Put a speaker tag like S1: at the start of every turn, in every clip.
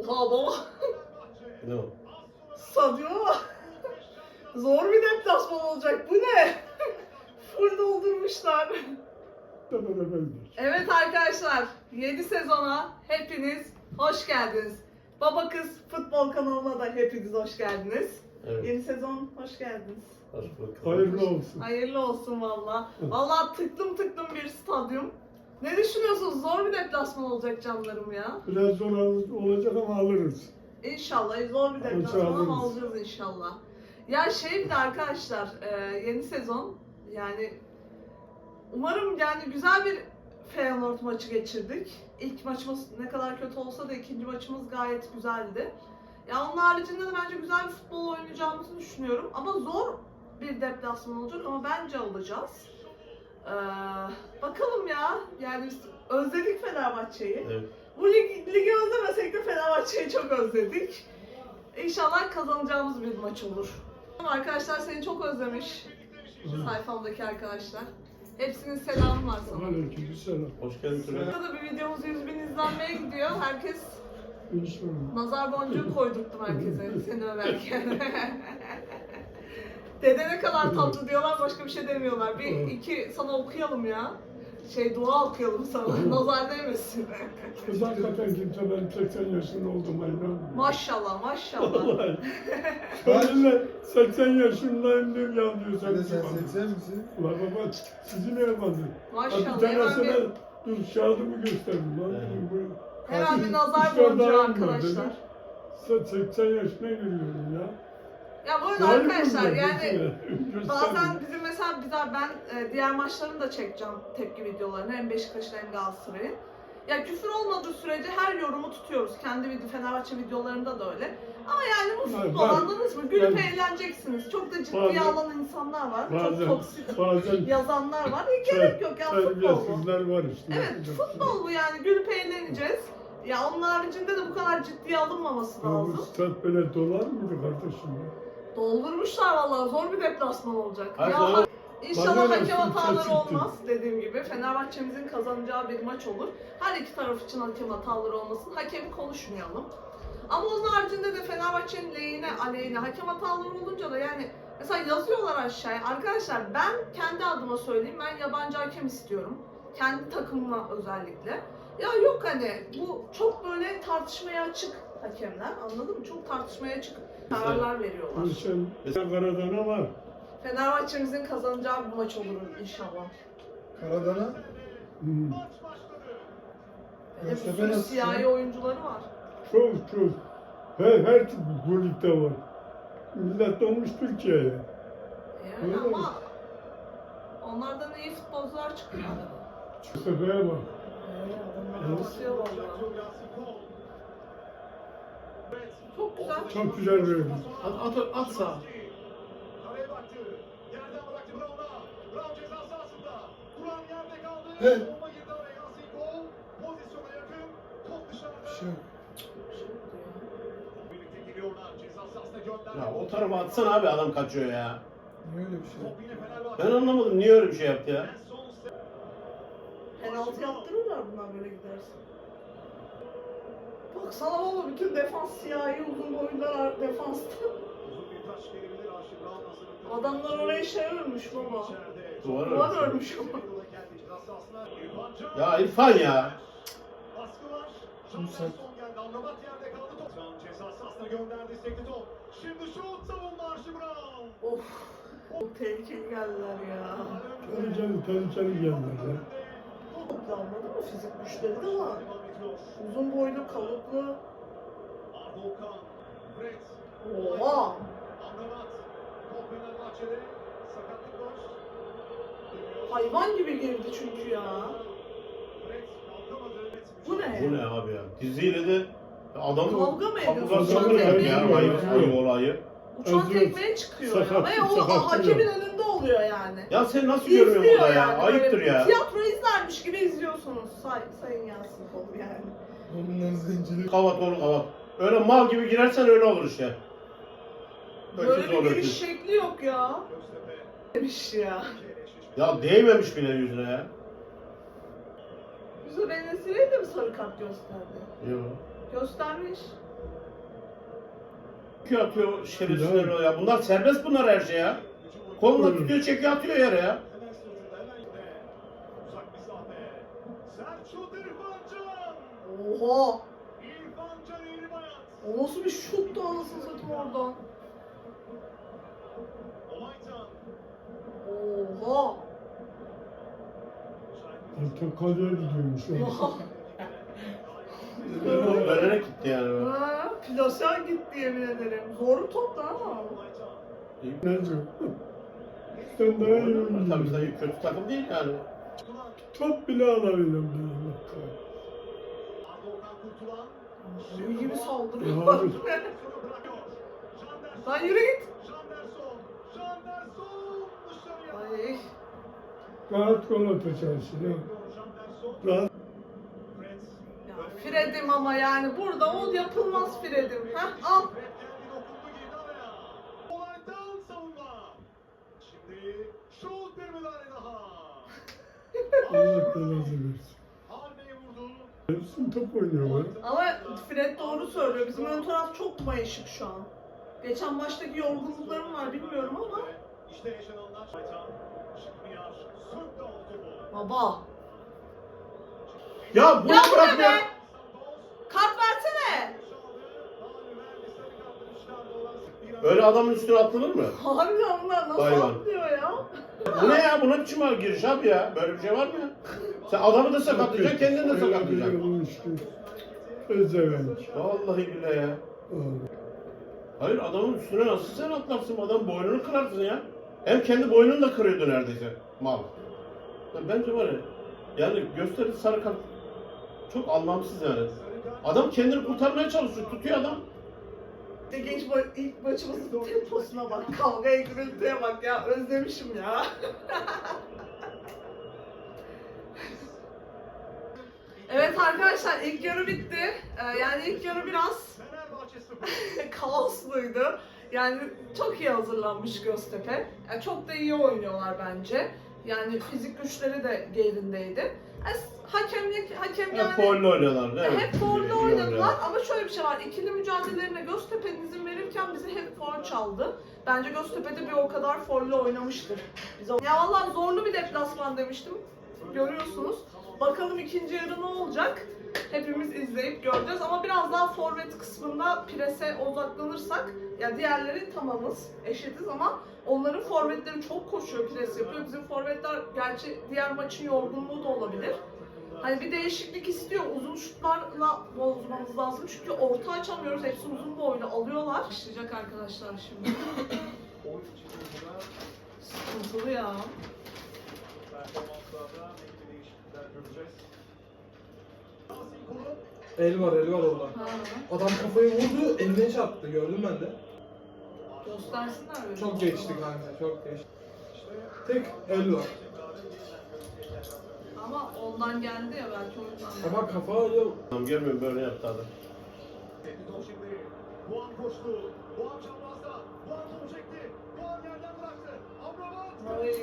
S1: Oha baba.
S2: Ne o?
S1: Stadyuma bak. Zor bir deplasman olacak. Bu ne? Full doldurmuşlar. Evet arkadaşlar, yeni sezona hepiniz hoş geldiniz. Baba Kız Futbol kanalına da hepiniz hoş geldiniz.
S2: Evet.
S1: Yeni sezon hoş geldiniz.
S2: Hoş bulduk.
S3: Hayırlı olsun.
S1: Hayırlı olsun valla. Valla tıklım tıklım bir stadyum. Ne düşünüyorsunuz? Zor bir deplasman olacak canlarım ya.
S3: Biraz zor olacak ama alırız.
S1: İnşallah zor bir deplasman ama
S3: alırız.
S1: alacağız inşallah. Ya bir de arkadaşlar yeni sezon yani umarım yani güzel bir Feyenoord maçı geçirdik. İlk maçımız ne kadar kötü olsa da ikinci maçımız gayet güzeldi. Ya onun haricinde de bence güzel bir futbol oynayacağımızı düşünüyorum. Ama zor bir deplasman olacak ama bence alacağız. Bakalım ya. Yani biz özledik Fenerbahçe'yi.
S2: Evet.
S1: Bu ligi özlemesek de Fenerbahçe'yi çok özledik. İnşallah kazanacağımız bir maç olur. Arkadaşlar seni çok özlemiş. Sayfamdaki arkadaşlar. Hepsinin selamı var sana.
S3: Aleykümselam.
S2: Hoş geldin Tülay.
S1: Burada da bir videomuz 100.000 izlenmeye gidiyor. Herkes
S3: İnşallah.
S1: nazar boncuğu koydurttum herkese seni överken. Dede ne kadar tatlı diyorlar, başka bir şey demiyorlar. Bir iki sana okuyalım ya. Dua okuyalım sana. Nazar değmesin.
S3: Kız hakikaten kimse ben 80 yaşında oldum aynen.
S1: Maşallah maşallah.
S3: Vallahi. Şöyle 80 yaşındayım diyor ya diyor
S4: Sen
S3: sen.
S4: 80 misin?
S3: Ulan baba sizi ne yapamadın?
S1: Maşallah.
S3: Bir
S1: Hemen
S3: tanesine
S1: bir,
S3: dur şahadımı gösterdim lan.
S2: Evet.
S1: hemen bir nazar
S3: İşte
S1: boncuğu
S3: daha
S1: arkadaşlar.
S3: Sen 80 yaşına giriyorum ya.
S1: Ya bu arada
S3: Var mı
S1: arkadaşlar
S3: bunlar?
S1: yani
S3: Göster.
S1: bazen bizim mesela ben diğer maçlarını da çekeceğim tepki videolarını hem Beşiktaş'ın hem Galatasaray'ın. Ya küfür olmadığı sürece her yorumu tutuyoruz. Kendi Fenerbahçe videolarında da öyle. Ama yani bu futbol
S3: Ben-
S1: anladınız mı? Gülüp
S3: ben-
S1: eğleneceksiniz. Çok da ciddiye
S3: Bazen-
S1: alan insanlar var. Çok
S3: Bazen,
S1: toksik
S3: bazen
S1: yazanlar var. Gerek yok ya futbol bu.
S3: terbiyesizler var işte.
S1: Evet futbol bu yani. Gülüp eğleneceğiz. Ya onun haricinde de bu kadar ciddiye alınmaması
S3: Ya bu
S1: lazım.
S3: stat böyle dolar mıydı kardeşim ya?
S1: Doldurmuşlar vallahi, zor bir deplasman olacak.
S2: Hayır,
S1: Ya
S2: sonra-
S1: İnşallah
S3: Bana
S1: hakem
S3: nasıl
S1: hataları
S3: kaçırttın?
S1: olmaz dediğim gibi. Fenerbahçe'mizin kazanacağı bir maç olur. Her iki taraf için hakem hataları olmasın. Hakemi konuşmayalım. Ama onun haricinde de Fenerbahçe'nin lehine, aleyhine hakem hataları olunca da yani mesela yazıyorlar aşağıya. Arkadaşlar ben kendi adıma söyleyeyim, ben yabancı hakem istiyorum. Kendi takımıma özellikle. Ya yok hani bu çok böyle tartışmaya açık hakemler, anladın mı? Çok tartışmaya açık kararlar veriyorlar.
S3: Sen Karadana var.
S1: Fenerbahçe'mizin kazanacağı bir maç olur inşallah.
S4: Karadana.
S3: Hmm.
S1: Bir de bir
S4: Göztepe
S1: sürü
S4: nasıl?
S1: siyahi oyuncuları var.
S3: Çok. Her tip bu ligde var. Millet olmuş Türkiye'ye.
S1: Yani
S3: Öyle mi?
S1: ama onlardan iyi futbolcular çıkıyor.
S3: Göztepe'ye bak.
S1: Adamlar basıyor vallahi. Çok güzel.
S3: Çok güzel verdi.
S2: At sağa.
S5: Kaleye baktı. Yerden bıraktı Brown'a. Brown ceza sahasında. Duran yerde kaldı.
S4: Evet.
S5: Bomba girdi araya. Yasin gol. Pozisyona yakın. Top dışarıda.
S4: Bir şey yok.
S5: Birlikte geliyorlar. Ceza sahasına gönderdi.
S2: Ya o tarafa atsana abi, adam kaçıyor ya.
S4: Niye öyle bir şey?
S5: Top yine Fenerbahçe.
S2: Ben anlamadım niye öyle bir şey yaptı ya.
S5: En son
S1: Penaltı yaptırırlar bunlar böyle giderse. Baksana baba bütün defans siyahi uzun boylular defansta.
S5: uzun bir taş gelebilir. Aşık Brown hazırlıklı.
S1: Adamlar oraya örmüş baba.
S5: İçeride.
S2: Duvar
S1: Duvar
S2: örmüş.
S1: örmüş ama.
S5: Yola geldi. Ceza sahasına. İrfan Can.
S2: Ya İrfan ya.
S5: Baskı var.
S4: Şimdi sen-
S5: Anderson geldi. Amrabat yerde kaldı top. Can ceza sahasına gönderdi. Sekti top. Şimdi şut savunma Aşık Brown.
S1: Of. Çok tehlikeli geldiler ya.
S3: Tehlikeli geldiler ya.
S1: Çok da anladın mı? Fizik güçleri de var. Uzun boylu, kalıplı.
S5: Arda Okan, Fred,
S1: Oha!
S5: Amrabat, top Fenerbahçe'de, sakatlık var.
S1: Hayvan gibi girdi çünkü ya.
S5: Fred kalkamadı.
S1: Bu ne?
S2: Bu ne abi ya? Diziyle de adamı
S1: Kavga mı ediyorsun?
S2: kapıdan
S3: Kavga
S2: çıkıyor
S3: ediyor.
S2: ya. Ayıp olayı.
S1: Uçan
S3: Acıyor.
S1: tekmeye çıkıyor ya.
S3: Sakat-
S1: Ve o
S3: sakat
S1: hakemin
S3: diyor.
S1: önünde oluyor yani.
S2: Ya sen nasıl görmüyorsun
S1: İzliyor
S2: burada ya?
S1: yani.
S2: Ayıptır
S1: Böyle
S2: ya.
S1: Tiyatro izlermiş gibi izliyorsunuz. Sayın Yasin Kol yani.
S4: Onların zenciliği.
S2: Kavat onu kavat. Öyle mal gibi girersen öyle olur işte.
S1: Böyle
S2: Öküz
S1: bir
S2: olur
S1: giriş
S2: öküz.
S1: şekli yok ya.
S5: Göztepe,
S1: Demiş ya.
S2: Ya değmemiş bile yüzüne ya.
S1: Yusuf Enes'i'ye de mi sarı kart gösterdi?
S2: Yok.
S1: Göstermiş.
S2: Çekiyor atıyor şerefsizler ya. Bunlar serbest bunlar her şey ya. Kolunu tutuyor çekiyor atıyor yere ya.
S5: Uzak mesafe. Selçuk İrfancan.
S1: Oha!
S5: İrfancan İrmayat.
S1: O nasıl bir şuttu anasını satayım oradan.
S5: Olaytan.
S1: Oha!
S3: Portakalya gidiyormuş.
S2: Vererek gitti yani.
S1: Ha, plase gitti yemin ederim. Zor top da ama.
S3: Ne diyor? Sen daha iyi
S2: Tabii
S3: oynuyorsun.
S2: tabii kötü takım değil yani.
S3: Top bile alabilirim.
S5: Volkan Kurtulan.
S1: Deli gibi
S3: Ya
S1: saldırıyorlar.
S3: abi.
S1: Lan yürü git.
S5: Janderson. Janderson dışarıya.
S1: Ay.
S3: Rahat gol atacaksın ya.
S5: Janderson.
S3: Rahat.
S5: Fred.
S1: Ya Fred'im ama yani burada o yapılmaz Fred'im. Heh al.
S5: Fred geldi dokundu girdi araya. Olaytan savunma. Şimdi şut bir müdahale daha.
S3: Allah belanı versin.
S5: Harbiye vurdu.
S3: Hepsini top oynuyorlar.
S1: Ama Fred doğru söylüyor. Bizim ön taraf çok mayışık şu an. Geçen maçtaki yorgunluklarım var bilmiyorum ama.
S5: İşte yaşananlar. Aytan. Şıkmıyar. Sırtla oldu bu.
S1: Baba.
S2: Ya bunu
S1: Ya bu ne
S2: bırakmıyor.
S1: be? Kart versene.
S2: Öyle adamın üstüne atılır mı?
S1: Harbiden bunlar nasıl
S2: Hayvan.
S1: atlıyor ya?
S2: Bu ne ya? Bu ne biçim giriş abi ya? Böyle bir şey var mı ya? Sen adamı da sakatlayacaksın, kendini de sakatlayacaksın.
S3: Özevenç.
S2: Vallahi billahi ya. Hayır adamın üstüne nasıl sen atlarsın? Adam boynunu kırarsın ya. Hem kendi boynunu da kırıyordu neredeyse. Mal. Ya bence var ya. Yani gösterdi sarı kart. Çok anlamsız yani. Adam kendini kurtarmaya çalışıyor. Tutuyor adam.
S1: İlk maçımızın temposuna bak. Kavgaya gürültüye bak ya. Özlemişim ya. Evet arkadaşlar ilk yarı bitti. Yani ilk yarı biraz
S5: Fenerbahçe 0.
S1: kaosluydu. Yani çok iyi hazırlanmış Göztepe. Yani çok da iyi oynuyorlar bence. Yani fizik güçleri de yerindeydi. Hakem
S2: Hep
S1: yani
S2: folle oynuyorlar. Evet.
S1: hep foul
S2: İyi
S1: oynadılar
S2: oynuyorlar.
S1: ama şöyle bir şey var. İkili mücadelelerine Göztepe'nin izin verirken bizi hep foul çaldı. Bence Göztepe'de bir o kadar folle oynamıştır. Ya vallahi zorlu bir deplasman demiştim. Görüyorsunuz. Bakalım ikinci yarı ne olacak? Hepimiz izleyip göreceğiz ama biraz daha forvet kısmında prese odaklanırsak ya diğerleri tamamız, eşitiz ama onların forvetleri çok koşuyor, pres yapıyor. Bizim forvetler gerçi diğer maçın yorgunluğu da olabilir. Hani bir değişiklik istiyor. Uzun şutlarla bozmamız lazım. Çünkü orta açamıyoruz. Hepsi uzun boylu alıyorlar. Başlayacak arkadaşlar şimdi. Sıkıntılı ya.
S5: Performanslarda ne gibi değişiklikler göreceğiz?
S6: El var orada.
S1: Ha,
S6: Adam kafayı vurdu, eline çarptı. Gördüm ben de.
S1: göstersinler böyle.
S6: Çok geçti kanka, çok geçti. Tek el var.
S1: Ama ondan geldi ya belki o yüzden.
S6: Ama kafa yok.
S2: Adam görmüyor böyle yaptı adam.
S5: Top şimdi. Doğan koştu. Doğan çaprazda. Doğan topu çekti. Doğan yerden bıraktı. Amrabat.
S1: Ay.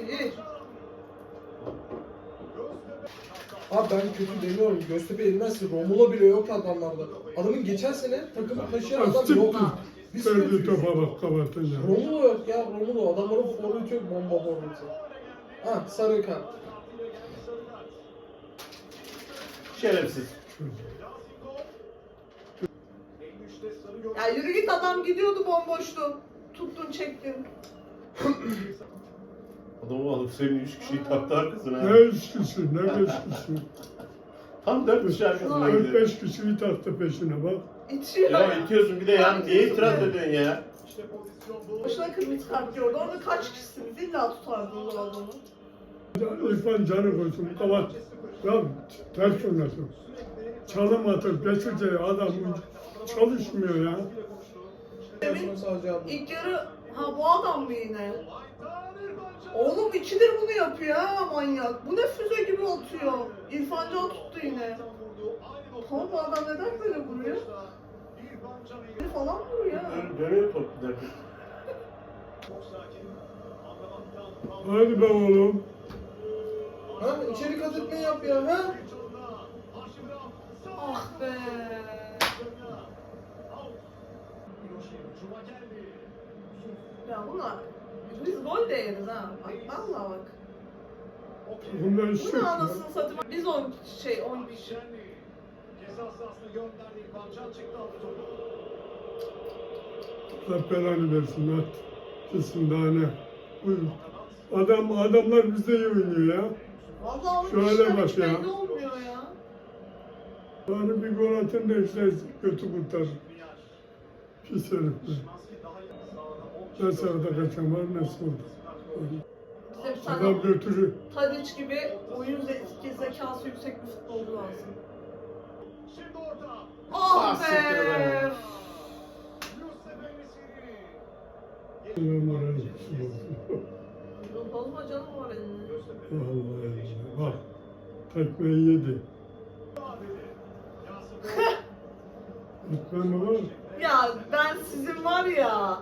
S5: Göztepe.
S6: Abi ben kötü demiyorum. Göztepe yenmezse Romulo bile yok adamlarda. Adamın geçen sene takımı taşıyan adam yok. Biz
S3: Verdi
S6: kötüyüz.
S3: topa bak kapatınca.
S6: Romulo yok ya, Romulo. Adamların forveti yok, bomba forveti. Ha, sarı kart.
S2: Şerefsiz.
S1: Ya yürü git adam gidiyordu bomboştu. Tuttun çektin.
S2: Adamı alıp senin 3 kişiyi taktı arkasına.
S3: Ne üç kişi, ne beş kişi.
S2: Tam 4 kişi arkasına
S3: Dört
S2: gidiyor.
S3: beş kişiyi taktı peşine bak.
S1: İtiyor.
S2: Ya itiyorsun bir de ya niye itiraz ediyorsun ya?
S1: Boşuna kırmızı kart gördü. Orada kaç kişisiniz? İlla tutardınız o adamı.
S3: İrfan canı koysun kapat. Ya ters oynasın. Çalım atıp geçince adam çalışmıyor ya.
S6: Demin sadece abi.
S1: İlk yarı ha bu adam mı yine? Oğlum ikidir bunu yapıyor ha manyak. Bu ne füze gibi atıyor. İrfan Can tuttu yine. Tamam bu adam neden böyle vuruyor? Falan vuruyor ya.
S2: Dönüyor top bir dakika.
S3: Hadi be oğlum.
S6: Ha, içeri kat etmeyi yap ya, ha?
S1: Ah be. Ya bunlar biz gol de yeriz ha. Bak vallahi bak.
S3: Bundan
S1: Bu
S3: şey
S1: ne
S3: yok ya.
S1: anasını satayım. Biz 10
S5: Ceza sahasına gönderdi İrfan Can çıktı aldı topu.
S3: Allah belanı versin at. Kesin daha ne. Buyurun. Adamlar bizde iyi oynuyor ya.
S1: Vallahi
S3: Şöyle
S1: o işler
S3: bak
S1: hiç
S3: ya.
S1: belli olmuyor ya.
S3: Bari bir gol atın da işte kötü kurtar. Pis herifler.
S5: Şimanski daha iyi sahada.
S3: Ne sağda kaçan var ne solda.
S1: Bize bir tane
S3: Adam götürür.
S1: Tadic gibi oyun zekası yüksek bir futbolcu lazım.
S5: Şimdi orta.
S1: Ah
S2: siktir
S1: be!
S2: be.
S5: Yusuf Enesiri.
S3: Ulan moral olsun.
S1: Bozma canım var elinde.
S3: Vallahi ya. Bak. Tekmeyi yedi. Gitmem mi var?
S1: Ya ben sizin var ya.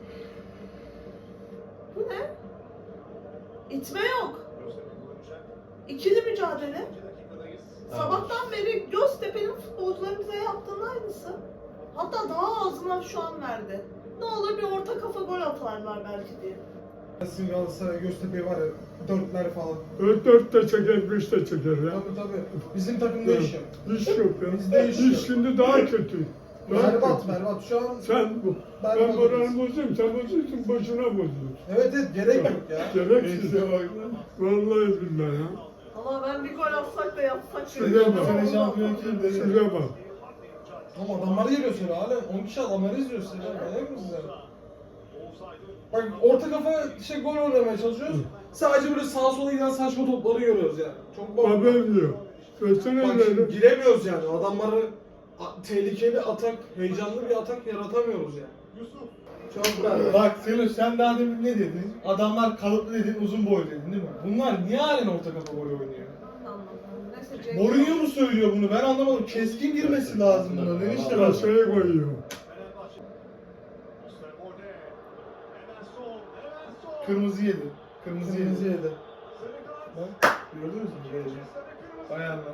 S1: Bu ne? İtme yok. İkili mücadele. Sabahtan beri Göztepe'nin futbolcuların bize yaptığının aynısı. Hatta daha ağzından şu an verdi. Ne olur bir orta kafa gol atarlar belki diye.
S6: Sizin Galatasaray Göztepe'yi var ya 4'ler falan.
S3: 4 de çeker, 5 de çeker ya.
S6: Tabii. Bizim takımda iş yok.
S3: Hiç yok ya.
S6: Bizde iş
S3: İş
S6: yok.
S3: şimdi daha kötü. Daha kötü.
S6: Berbat şu an.
S3: Sen ben
S6: Berbat
S3: moral
S6: oluyorsun.
S3: bozuyorum, sen bozuyorsun, boşuna bozuyorsun.
S6: Evet gerek yok ya.
S3: Gereksiz ya. Vallahi billahi ya.
S1: Ama ben bir gol atsak da yapsak.
S3: Şuraya bak.
S1: Sene
S4: şampiyon kim dedi?
S3: Şuraya bak.
S6: Ama adamlar geliyor seni halen 10 kişi adamları izliyor seni. Manyak mısın sen? Bak orta kafa gol oynamaya çalışıyoruz. Sadece böyle sağa sola giden saçma topları görüyoruz yani. Çok bak.
S3: Haberim yok. Söylesene
S6: Bak şimdi
S3: ileri.
S6: giremiyoruz yani. Adamları tehlikeli atak, heyecanlı bir atak yaratamıyoruz yani. Çok berbat.
S4: Bak Seloş sen daha demin ne dedin? Adamlar kalıplı dedin, uzun boy dedin değil mi? Bunlar niye halen orta kafa gol oynuyor?
S1: Neyse Cenk.
S4: Mourinho mu söylüyor bunu? Ben anlamadım. Keskin girmesi lazım buna. Ne işte bak.
S3: Aşağıya koyuyor.
S4: Kırmızı yedi. Kırmızı yedi.
S5: Sarı kart.
S4: Bak gördünüz mü? Böyle. Bayanlar.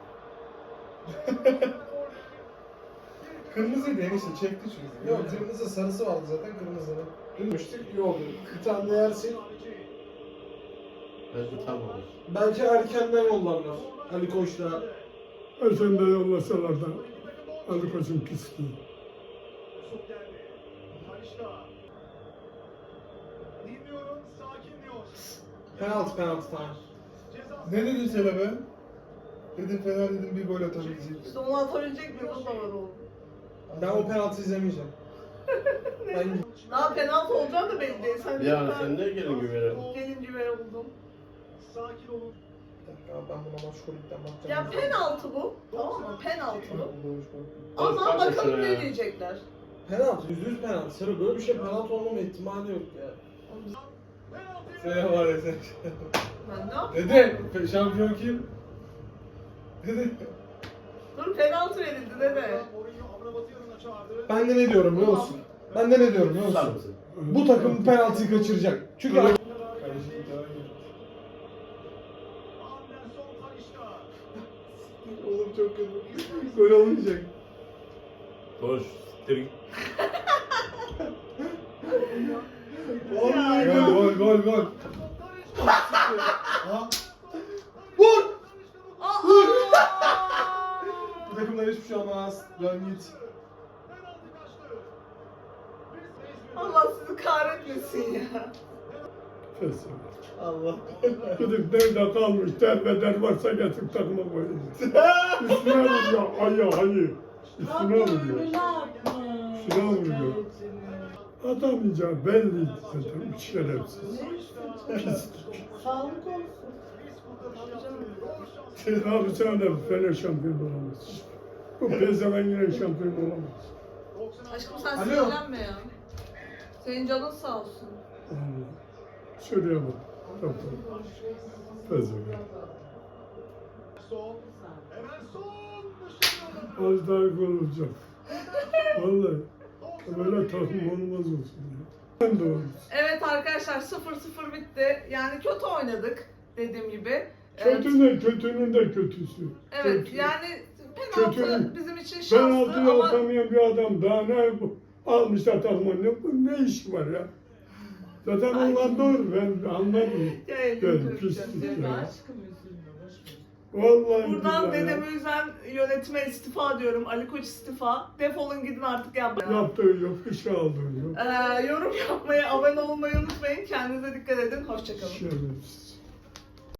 S4: Kırmızıydı enişte çekti çünkü.
S6: Yok kırmızı sarısı vardı zaten kırmızının. Gülmüştük iyi oldu. Bir tane de yersin.
S2: Belki tam olur.
S6: Belki erkenden yollarlar. Ali Koç'la.
S3: Sen de yollasalar da Ali Koç'un pisliği.
S5: Yusuf geldi. Talişka. Dinliyorum, sakin diyor.
S6: Penaltı tamam.
S5: Ceza
S4: Ne dedin Selo be? Dedim Fener dedim bir gol atabilecek.
S1: İşte onu atabilecek mi? O da var oğlum.
S6: Ben o penaltı izlemeyeceğim. Ben
S1: Daha penaltı olacağını da belli değil. Sen
S2: Yani sen ne gelin güvene?
S1: gelin güvene buldum.
S5: sakin olun.
S6: bir dakika ben buna Maşkolik'ten
S1: Ya
S6: bakacağım.
S1: penaltı bu. Tamam mı? Penaltı bu. Ama
S2: Bak
S1: bakalım
S2: şuna
S1: ne
S2: ya.
S1: diyecekler.
S6: Penaltı, %100 penaltı. Sarı böyle bir şey penaltı olmama ihtimali yok ya.
S5: Penaltı.
S4: Sen var ya sen.
S1: Ben ne yapayım?
S4: Dede şampiyon kim? Dede.
S1: Dur penaltı verildi dede.
S5: Mourinho Amrabat'ı yanına çağırdı.
S6: Ben de ne diyorum biliyor musun? Ben de ne diyorum biliyor
S2: Tutar
S6: musun?
S2: mısın?
S6: Bu takım penaltıyı kaçıracak. Çünkü
S4: Kardeşim bir daha gel.
S5: Anderson Talişka.
S4: Oğlum çok kötü. Gol olmayacak.
S2: Koş. Siktir git.
S4: Vallahi gol. Ha?
S6: Vur!
S1: Aa!
S6: Bu takımdan hiçbir şey olmaz. Dön git.
S5: Penaltı kaçtı. Biz
S1: Allah sizi kahretmesin ya.
S3: Kesin.
S4: Allah.
S3: Gidip nerede kalmış derbeder varsa getir takıma koyuyor. Üstüne vuruyor. Ayı. Üstüne vuruyor. Üstüne vuruyor. Atamayacak belliydi zaten. Şerefsiz. Pislik.
S1: Sağlık olsun.
S3: Abi sen de Fener şampiyon olamaz. Bu pezeven yine şampiyon olamaz.
S1: Aşkım sen
S6: Alo.
S1: sinirlenme ya. Senin canın sağ olsun.
S3: Allah. Şuraya bak. Tamam. Pezeven.
S5: son. Hemen son. Dışarı
S3: Az daha gol olacak. Vallahi. Böyle takım olmaz olsun ya. Ben de olmuş.
S1: Evet arkadaşlar 0-0 bitti. Yani kötü oynadık dediğim gibi.
S3: Kötünün de kötüsü.
S1: Evet
S3: Kötü.
S1: yani penaltı
S3: Kötü.
S1: bizim için şanslı
S3: Penaltıyı
S1: ama
S3: atamayan bir adam daha ne bu? Almışlar takıma ne işi var ya? Zaten onlar doğru, ben anladım.
S1: Ya elini
S3: Evet,
S1: kıracağım
S3: pislik
S1: diye.
S3: ya. Vallahi
S1: Buradan
S3: billahi
S1: dedemi üzen yönetime istifa diyorum. Ali Koç istifa. Defolun gidin artık ya.
S3: yaptığı yok, iş aldığı yok.
S1: Yorum yapmayı, abone olmayı unutmayın. Kendinize dikkat edin. Hoşçakalın.
S3: Şerefsiz.